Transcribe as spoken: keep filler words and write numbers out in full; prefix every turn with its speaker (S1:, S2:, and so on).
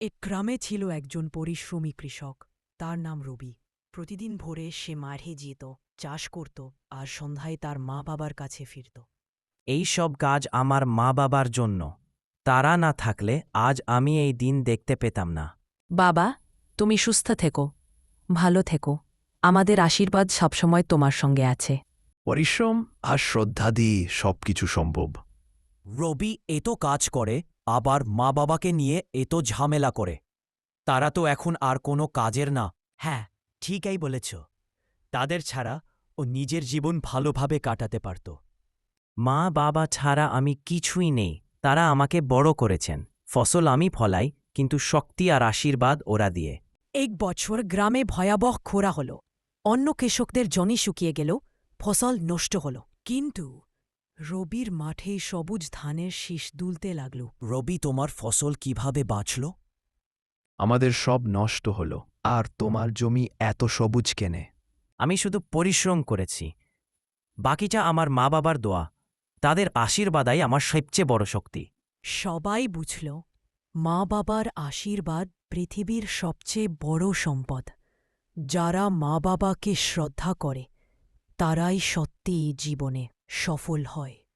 S1: এক গ্রামে ছিল একজন পরিশ্রমী কৃষক। তার নাম রবি। প্রতিদিন ভোরে সে মাঠে যেত, চাষ করত, আর সন্ধ্যায় তার মা বাবার কাছে ফিরত।
S2: এই সব কাজ আমার মা বাবার জন্য। তারা না থাকলে আজ আমি এই দিন দেখতে পেতাম না।
S3: বাবা, তুমি সুস্থ থেকো, ভালো থেকো। আমাদের আশীর্বাদ সবসময় তোমার সঙ্গে আছে।
S4: পরিশ্রম আর শ্রদ্ধা দিয়ে সবকিছু সম্ভব।
S2: রবি এত কাজ করে, আবার মা বাবাকে নিয়ে এত ঝামেলা করে। তারা তো এখন আর কোনো কাজের না। হ্যাঁ, ঠিকই বলেছ। তাদের ছাড়া ও নিজের জীবন ভালোভাবে কাটাতে পারত। মা বাবা ছাড়া আমি কিছুই নেই। তারা আমাকে বড় করেছেন। ফসল আমি ফলাই, কিন্তু শক্তি আর আশীর্বাদ ওরা দিয়ে।
S1: এক বছর গ্রামে ভয়াবহ খরা হল। অন্য কৃষকদের জমি শুকিয়ে গেল, ফসল নষ্ট হল। কিন্তু রবির মাঠে সবুজ ধানের শীষ দুলতে লাগল।
S2: রবি, তোমার ফসল কিভাবে বাঁচল?
S4: আমাদের সব নষ্ট হলো, আর তোমার জমি এত সবুজ কেনে?
S2: আমি শুধু পরিশ্রম করেছি। বাকিটা আমার মা বাবার দোয়া। তাদের আশীর্বাদাই আমার সবচেয়ে বড় শক্তি।
S1: সবাই বুঝল, মা বাবার আশীর্বাদ পৃথিবীর সবচেয়ে বড় সম্পদ। যারা মা বাবাকে শ্রদ্ধা করে, তারাই সত্যিই জীবনে সফল হয়।